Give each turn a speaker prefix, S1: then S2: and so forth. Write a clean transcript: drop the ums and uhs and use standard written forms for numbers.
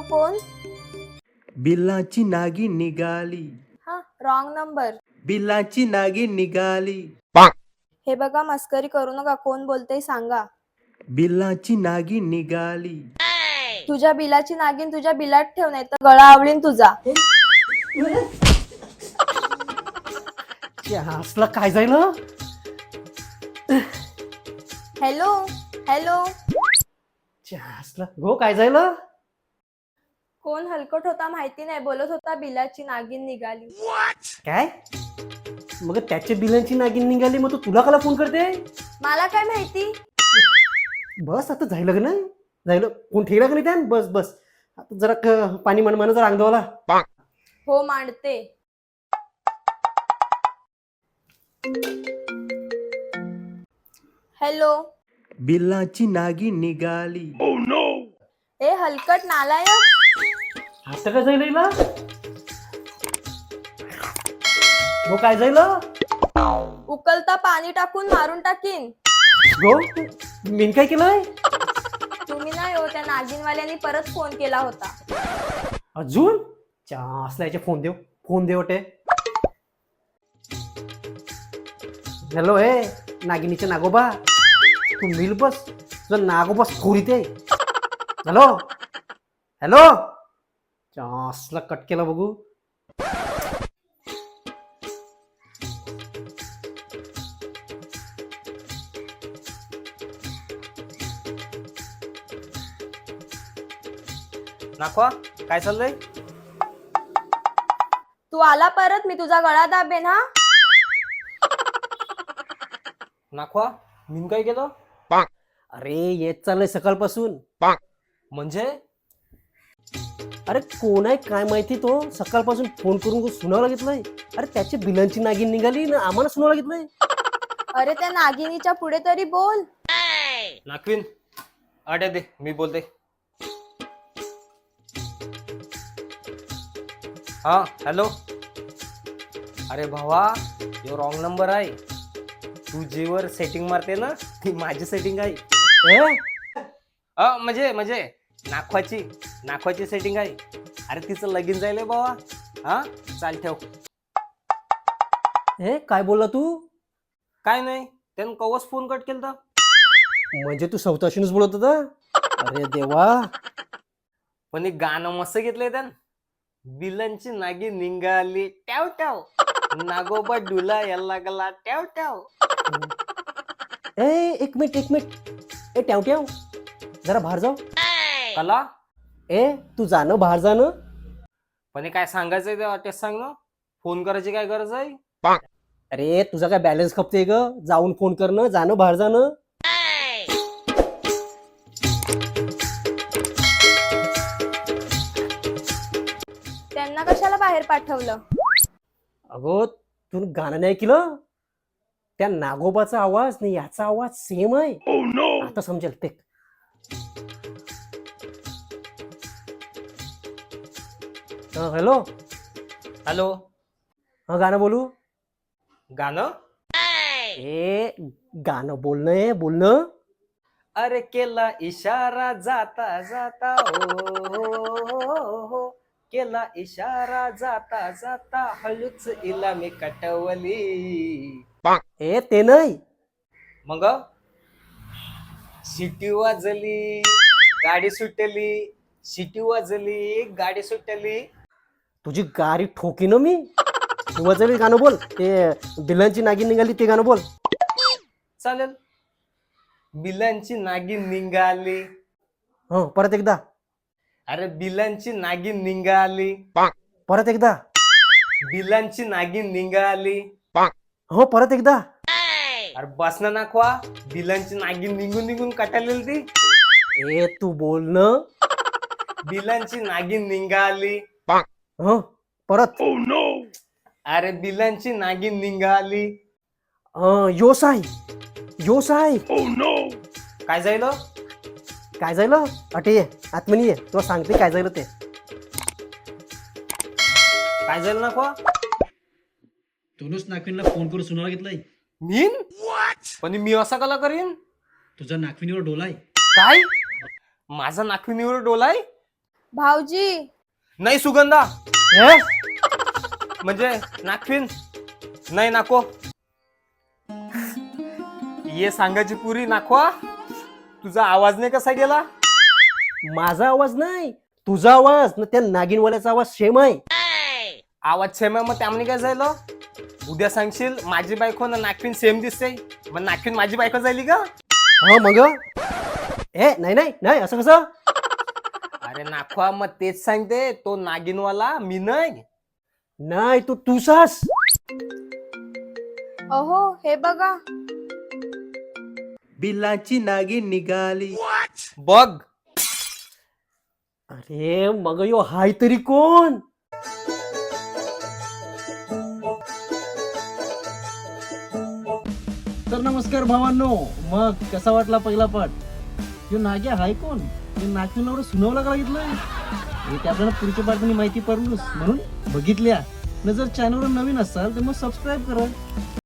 S1: कोण?
S2: बिल्लाची नागिन निघाली.
S1: हा, रॉंग नंबर.
S2: बिल्लाची नागिन निघाली.
S1: हे बघा, मस्करी करू नका. कोण बोलतंय सांगा.
S2: बिल्लाची नागिन निघाली.
S1: तुझ्या बिलाची नागिन तुझ्या बिलात ठेव, नाही तर गळा आवळीन तुझा.
S3: असला काय जाईल?
S1: Hello hello.
S3: असला गो काय जाईल?
S1: कोण हलकट होता माहिती नाही, बोलत होता बिलाची नागिन निघाली.
S3: काय? मग त्याच्या बिलांची नागिन निघाली, मग तुला कला फोन करते?
S1: मला काय माहिती.
S3: बस आता जायला का नाही जायला कोण ठेवला का नाही त्या? बस बस आता जरा पाणी मन जरा अंगदवाला.
S1: हो, मांडते. हॅलो.
S2: बिल्लाची नागिन निघाली.
S1: ए हलकट नालायक.
S3: आता काय जाईल हिला? गो काय जाईल?
S1: उकलता पाणी टाकून मारून टाकीन.
S3: गो मी काय केलंय?
S1: तुम्ही नाही हो, त्या नागिनवाल्यांनी परत फोन केला होता.
S3: अजून असल्याचे फोन दे वाटे. हॅलो हे नागिनीचे नागोबा, तू मिल बस तुझा नागोबा खोरीत आहे. Hello hello. असला कट केला बघू.
S4: नाखवा काय चाललंय?
S1: तू आला परत, मी तुझा गळा दाबेन. हा,
S4: नाखवा मी काय केलं?
S3: अरे येत चाललंय सकाळपासून.
S4: म्हणजे
S3: अरे कोण आहे काय माहिती, तो सकाळपासून फोन करून सुनावं लागितलंय. अरे त्याची बिलांची नागिन निघाली ना आम्हाला सुनावं लागितलंय.
S1: अरे त्या नागिनीच्या पुढे तरी बोल.
S4: नाखवीन आड्या दे, मी बोलते. हा हॅलो. अरे भावा, यो रॉंग नंबर आहे. तू जीवर सेटिंग मारते ना, ती माझी सेटिंग आहे. म्हणजे नाखवाची सेटिंग आहे. अरे तिचं लगीन जायलंय बाबा. हा चाल ठेव.
S3: हे काय बोलला तू?
S4: काय नाही, त्यानं कवच फोन कट केलता.
S3: म्हणजे तू सवताशीनच बोलत होता? अरे देवा.
S4: पण एक गाणं मस्त घेतलंय त्यानं. बिलांची नागी निघाली ट्याव ट्याव, नागोबा डुला याला गला ट्याव ट्याव.
S3: एक मिनिट ए ट्याव जरा बाहेर जाऊ.
S4: कला
S3: तू जाणं बाहेर जाणं.
S4: पण हे काय सांगायचंय ते वाटेस सांग ना. फोन करायची काय गरज आहे?
S3: अरे तुझा काय बॅलन्स खपते ग? जाऊन फोन करणं, जाणं बाहेर जाणं.
S1: त्यांना कशाला बाहेर पाठवलं?
S3: अगो तू गाणं नाही केलं? त्या नागोबाचा आवाज नाही याचा आवाज सेम आहे. आता समजेल ते. Hello
S4: hello.
S3: हा गाणं बोलू?
S4: गाणं?
S3: गाणं बोलणं.
S4: अरे केला इशारा जाता जाता हो, केला इशारा जाता जाता हळूच इला मी कटवली.
S3: ते नाही.
S4: मग शिटी वाजली गाडी सुटली.
S3: तुझी गाडी ठोकी ना मी. वाजवी गाणं बोल. ते बिलांची नागिन निघाली ते गाणं बोल.
S4: चालेल. बिलांची नागिन निघाली.
S3: हो परत एकदा.
S4: अरे बिलांची नागिन निघाली.
S3: परत एकदा.
S4: बिलांची नागिन निघाली.
S3: हो परत एकदा.
S4: अरे बस ना नाखवा, बिलांची नागिन निघून कटालेली ती.
S3: तू बोलणं.
S4: बिलांची नागिन निघाली.
S3: हो परत.
S4: अरे बिलांची नागिन निघाली.
S3: योस आहे.
S4: काय जाईल?
S3: काय झालं? अटे ये आत्मनी ये, तुला सांगते काय झालं ते.
S4: काय झालं नाखवा?
S5: तोनच नाखविनला फोन करून सुनावं घेतलाय.
S4: मीन? पण मी असा कला करीन?
S5: तुझा नाखविनीवर डोलाय.
S4: काय? माझा नाखविनीवर डोलाय?
S1: भाऊजी
S4: नाही सुगंधा
S3: हे?
S4: म्हणजे नागफिन नाही नाको ये सांगायची पुरी नाखवा तुझा आवाज नाही कसा गेला
S3: माझा आवाज नाही तुझा आवाज ना त्या नागिनवाल्याचा आवाज सेम आहे.
S4: आवाज सेम आहे मग त्यामध्ये काय झालं उद्या सांगशील माझी बायको ना नागफिन सेम दिसते मग नागफिन माझी बायको झाली का
S3: हा मग नाही नाही नाही असं कसं
S4: अरे नाखवा मग तेच सांगते तो नागिनवाला मी नाही
S3: नाही तू तुसास
S1: अहो हे बघा
S2: बिल्लाची नागिन निघाली.
S4: बघ
S3: अरे मग यो हाय तरी कोण
S5: तर नमस्कार भावांनो, मग कसा वाटला पहिला पाठ? यो नाग्या हाय कोण? हे नागपूर एवढं सुनावं लागितलंय हे ते आपल्याला पुढच्या पाठवणी माहिती पडलोच म्हणून बघितल्या न जर चॅनलवर नवीन असाल तर मग सबस्क्राईब करा.